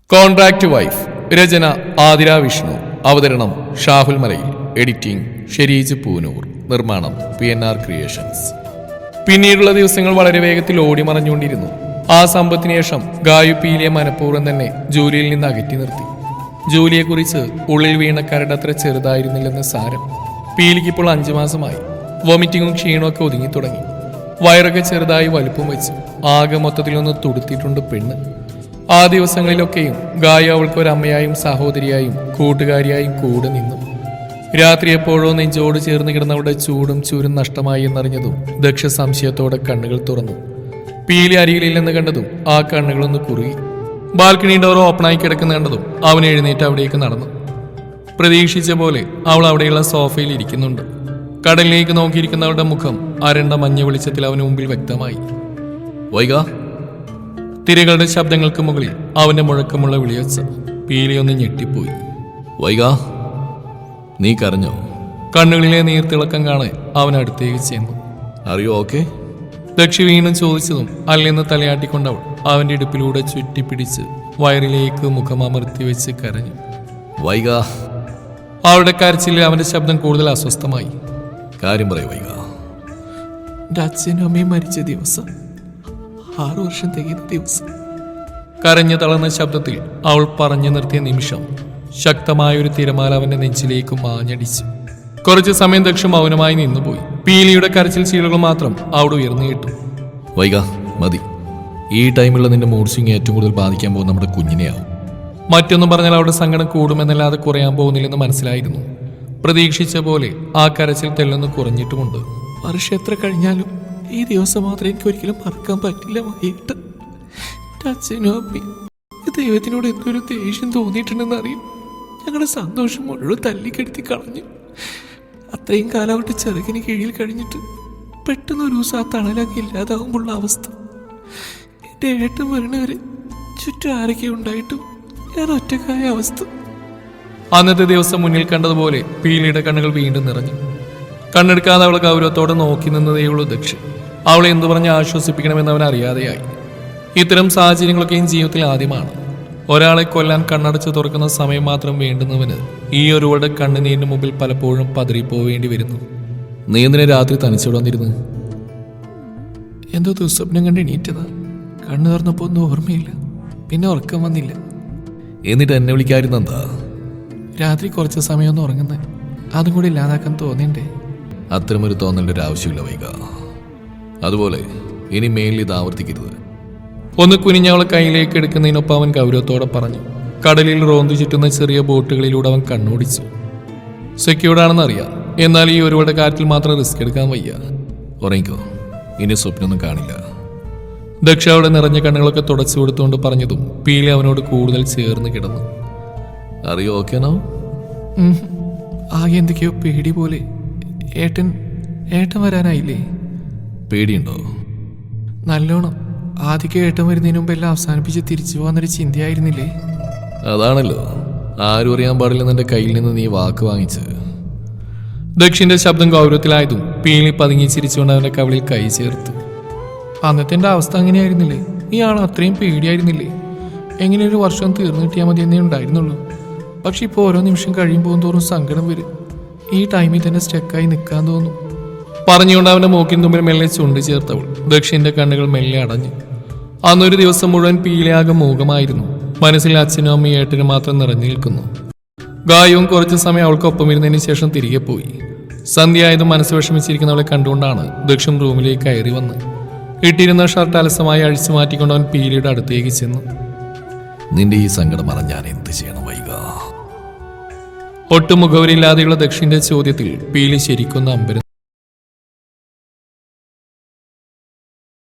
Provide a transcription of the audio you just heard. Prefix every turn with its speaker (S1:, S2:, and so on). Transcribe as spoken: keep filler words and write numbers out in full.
S1: Contract wife. രചന ആതിര വിഷ്ണു. അവതരണം Shahul Malayil. Editing Shereej Poonoor. നിർമ്മാണം പി എൻ ആർ ക്രിയേഷൻസ്. പിന്നീടുള്ള ദിവസങ്ങൾ വളരെ വേഗത്തിൽ ഓടി മറഞ്ഞുകൊണ്ടിരുന്നു. ആ സമ്പത്തിന് ശേഷം ഗായു പീലിയെ മനഃപൂർവ്വം തന്നെ ജോലിയിൽ നിന്ന് അകറ്റി നിർത്തി. ജോലിയെക്കുറിച്ച് ഉള്ളിൽ വീണ കരടത്ര ചെറുതായിരുന്നില്ലെന്ന് സാരം. പീലിക്ക് ഇപ്പോൾ അഞ്ചു മാസമായി. വൊമിറ്റിങ്ങും ക്ഷീണമൊക്കെ ഒതുങ്ങി തുടങ്ങി. വയറൊക്കെ ചെറുതായി വലുപ്പം വെച്ച് ആകെ മൊത്തത്തിലൊന്ന് തുടുത്തിട്ടുണ്ട് പെണ്ണ്. ആ ദിവസങ്ങളിലൊക്കെയും ഗായ അവൾക്ക് ഒരമ്മയായും സഹോദരിയായും കൂട്ടുകാരിയായും കൂടെ നിന്നു. രാത്രി എപ്പോഴോ നെഞ്ചോട് ചേർന്ന് കിടന്നവളുടെ ചൂടും ചൂരും നഷ്ടമായി എന്നറിഞ്ഞതും ദക്ഷ സംശയത്തോടെ കണ്ണുകൾ തുറന്നു. പീലി അരികിലില്ലെന്ന് കണ്ടതും ആ കണ്ണുകളൊന്ന് കുറുകി. ബാൽക്കണി ഡോർ ഓപ്പണായി കിടക്കുന്ന കണ്ടതും അവൻ എഴുന്നേറ്റ് അവിടേക്ക് നടന്നു. പ്രതീക്ഷിച്ച പോലെ അവൾ അവിടെയുള്ള സോഫയിൽ ഇരിക്കുന്നുണ്ട്. കടലിലേക്ക് നോക്കിയിരിക്കുന്നവളുടെ മുഖം അരണ്ട മഞ്ഞ വെളിച്ചത്തിൽ അവന് മുമ്പിൽ വ്യക്തമായി. വൈക. തിരകളുടെ ശബ്ദങ്ങൾക്ക് മുകളിൽ അവന്റെ മുഴക്കമുള്ള വിളിയൊച്ച പീലി ഒന്ന് ഞെട്ടിപ്പോയി. വൈക, നീ കരഞ്ഞോ? കണ്ണുകളിലെ നീർത്തിളക്കം കാണാൻ അവൻ അടുത്തേക്ക് ചെന്നു. അറിയോ ഓക്കെ? ദക്ഷി വീണ്ടും ചോദിച്ചതും അല്ലെന്ന് തലയാട്ടിക്കൊണ്ടവൾ അവന്റെ ഇടുപ്പിലൂടെ ചുറ്റിപ്പിടിച്ച് വയറിലേക്ക് മുഖമമർത്തി വെച്ച് കരഞ്ഞു. വൈക. അവളുടെ കരച്ചിൽ അവന്റെ ശബ്ദം കൂടുതൽ അസ്വസ്ഥമായി. കാര്യം പറയൂ വൈക.
S2: എൻ്റെ അച്ഛനും അമ്മയും മരിച്ച ദിവസം, ആറു വർഷം തികയുന്ന ദിവസം.
S1: കരഞ്ഞു തളർന്ന ശബ്ദത്തിൽ അവൾ പറഞ്ഞു നിർത്തിയ നിമിഷം ശക്തമായൊരു തിരമാല അവന്റെ നെഞ്ചിലേക്ക് മാഞ്ഞടിച്ചു. കുറച്ചു സമയം ദക്ഷം മൗനമായി നിന്നുപോയി. പീലിയുടെ കരച്ചിൽ ചീളുകൾ മാത്രം അവിടെ ഉയർന്നു കേട്ടു.
S3: വൈക, മതി. ഈ ടൈമിലുള്ള നിന്റെ മൂഡ് സ്വിംഗ് ഏറ്റവും കൂടുതൽ ബാധിക്കാൻ പോകുന്ന നമ്മുടെ കുഞ്ഞിനെയാവും.
S1: മറ്റൊന്നും പറഞ്ഞാൽ അവരുടെ സങ്കടം കൂടുമെന്നല്ലാതെ കുറയാൻ പോകുന്നില്ലെന്ന് മനസ്സിലായിരുന്നു. പ്രതീക്ഷിച്ച പോലെ ആ കരച്ചിൽ തെല്ലൊന്ന് കുറഞ്ഞിട്ടുമുണ്ട്.
S2: വർഷം എത്ര കഴിഞ്ഞാലും ഈ ദിവസം മാത്രം എനിക്ക് ഒരിക്കലും മറക്കാൻ പറ്റില്ല. വൈകിട്ട് അച്ഛനും അമ്മയും ദൈവത്തിനോട് എന്തൊരു ദേഷ്യം തോന്നിയിട്ടുണ്ടെന്ന് അറിയും. ഞങ്ങളുടെ സന്തോഷം മുഴുവൻ തല്ലിക്കെടുത്തി കളഞ്ഞു. അത്രയും കാലം അവരുടെ ചെറുകിന് കീഴിൽ കഴിഞ്ഞിട്ട് പെട്ടെന്ന് ഒരു ദിവസം ആ തണലൊക്കെ ഇല്ലാതാവുമ്പോഴുള്ള അവസ്ഥ. എൻ്റെ ഏട്ടൻ വരണവര് ചുറ്റും ആരൊക്കെ ഉണ്ടായിട്ടും ഞാൻ ഒറ്റക്കായ അവസ്ഥ.
S1: അന്നത്തെ ദിവസം മുന്നിൽ കണ്ടതുപോലെ പീലിയുടെ കണ്ണുകൾ വീണ്ടും നിറഞ്ഞു. കണ്ണെടുക്കാതെ അവളെ ഗൗരവത്തോടെ നോക്കി നിന്നതേയുള്ളൂ ദക്ഷൻ. അവളെ എന്തു പറഞ്ഞ് ആശ്വസിപ്പിക്കണമെന്ന് അവൻ അറിയാതെയായി. ഇത്തരം സാഹചര്യങ്ങളൊക്കെയും ജീവിതത്തിൽ ആദ്യമാണ്. ഒരാളെ കൊല്ലാൻ കണ്ണടച്ച് തുറക്കുന്ന സമയം മാത്രം വേണ്ടുന്നവന് ഈ ഒരുവളുടെ കണ്ണുനീരിന് മുമ്പിൽ പലപ്പോഴും പതറിപ്പോവേണ്ടി വരുന്നു.
S3: നീ എന്തിനെ രാത്രി തനിച്ചോട് വന്നിരുന്നു?
S2: എന്തോ ദുസ്വപ്നം കണ്ട് എണീറ്റതാ. കണ്ണു തുറന്നപ്പോൾ ഒന്നും ഓർമ്മയില്ല. പിന്നെ ഉറക്കം വന്നില്ല.
S3: എന്നിട്ട് എന്നെ വിളിക്കാതിരുന്നെന്താ?
S2: രാത്രി കുറച്ച് സമയം ഒന്ന് ഉറങ്ങുന്നത് അതും കൂടി ഇല്ലാതാക്കാൻ തോന്നിണ്ടേ.
S3: അത്തരമൊരു തോന്നലിൻ്റെ ഒരു ആവശ്യമില്ല വൈക. അതുപോലെ ഇനി മേലിൽ ഇത് ആവർത്തിക്കരുത്.
S1: ഒന്ന് കുനിഞ്ഞവളെ കയ്യിലേക്ക് എടുക്കുന്നതിനൊപ്പം അവൻ ഗൗരവത്തോടെ പറഞ്ഞു. കടലിൽ റോന്തു ചുറ്റുന്ന ചെറിയ ബോട്ടുകളിലൂടെ അവൻ കണ്ണോടിച്ചു. സെക്യൂർഡാണെന്ന് അറിയാം, എന്നാൽ ഈ ഒരുവളുടെ കാര്യത്തിൽ മാത്രം റിസ്ക് എടുക്കാൻ വയ്യ.
S3: ഉറങ്ങിക്കോ, ഇനി സ്വപ്നമൊന്നും കാണില്ല.
S1: ദക്ഷ അവിടെ നിറഞ്ഞ കണ്ണുകളൊക്കെ തുടച്ചു കൊടുത്തുകൊണ്ട് പറഞ്ഞതും പീലി അവനോട് കൂടുതൽ ചേർന്ന് കിടന്നു.
S3: അറിയോ ഓക്കേനോ?
S2: ആകെ എന്തൊക്കെയോ പേടി പോലെ. ഏട്ടൻ ഏട്ടൻ വരാനായില്ലേ?
S3: പേടിയുണ്ടോ?
S2: നല്ലോണം. ആദ്യമൊക്കെ ഏട്ടൻ വരുന്നതിന് മുമ്പ് എല്ലാം അവസാനിപ്പിച്ച് തിരിച്ചു പോകാന്നൊരു ചിന്തയായിരുന്നില്ലേ?
S3: അതാണല്ലോ ആരും അറിയാൻ പാടില്ലെന്ന് എൻ്റെ കയ്യിൽ നിന്ന് നീ വാക്ക് വാങ്ങിച്ച്.
S1: ദക്ഷിന്റെ ശബ്ദം ഗൗരവത്തിലായതും പീലി പതുങ്ങി ചിരിച്ചുകൊണ്ട് അവന്റെ കവിളിൽ കൈ ചേർത്തു.
S2: അന്നത്തെ എൻ്റെ അവസ്ഥ അങ്ങനെയായിരുന്നില്ലേ? ഈ ആൾ അത്രയും പേടിയായിരുന്നില്ലേ? എങ്ങനെ ഒരു വർഷം തീർന്നു കിട്ടിയാൽ മതി എന്നേ ഉണ്ടായിരുന്നുള്ളൂ. പക്ഷെ ഇപ്പോൾ ഓരോ നിമിഷം കഴിയുമ്പോൾ തോറും സങ്കടം വരും. ഈ ടൈമിൽ തന്നെ സ്റ്റക്കായി നിൽക്കാൻ തോന്നും.
S1: പറഞ്ഞുകൊണ്ട് അവന്റെ മൂക്കിൻ തുമ്പിൽ മെല്ലെ ചുണ്ട് ചേർത്തവൾ ദക്ഷിന്റെ കണ്ണുകൾ മെല്ലെ അടഞ്ഞു. അന്നൊരു ദിവസം മുഴുവൻ പീലിയാകെ മൂകമായിരുന്നു. മനസ്സിൽ അച്ഛനും അമ്മയും ഏട്ടനും മാത്രം നിറഞ്ഞു നിൽക്കുന്നു. ഗായവും കുറച്ചു സമയം അവൾക്കൊപ്പം ഇരുന്നതിന് ശേഷം തിരികെ പോയി. സന്ധ്യയായതും മനസ്സ് വിഷമിച്ചിരിക്കുന്നവളെ കണ്ടുകൊണ്ടാണ് ദക്ഷൻ റൂമിലേക്ക് കയറി വന്ന് ഇട്ടിരുന്ന ഷർട്ട് അലസമായി അഴിച്ചു മാറ്റിക്കൊണ്ട് അവൻ പീലിയുടെ അടുത്തേക്ക് ചെന്നു.
S3: നിന്റെ ഈ സങ്കടം മറന്ന് ഞാൻ എന്ത് ചെയ്യണം വൈക?
S1: ഒട്ടും മുഖവരില്ലാതെയുള്ള ദക്ഷിന്റെ ചോദ്യത്തിൽ പീലി ശരിക്കൊന്ന് അമ്പരം.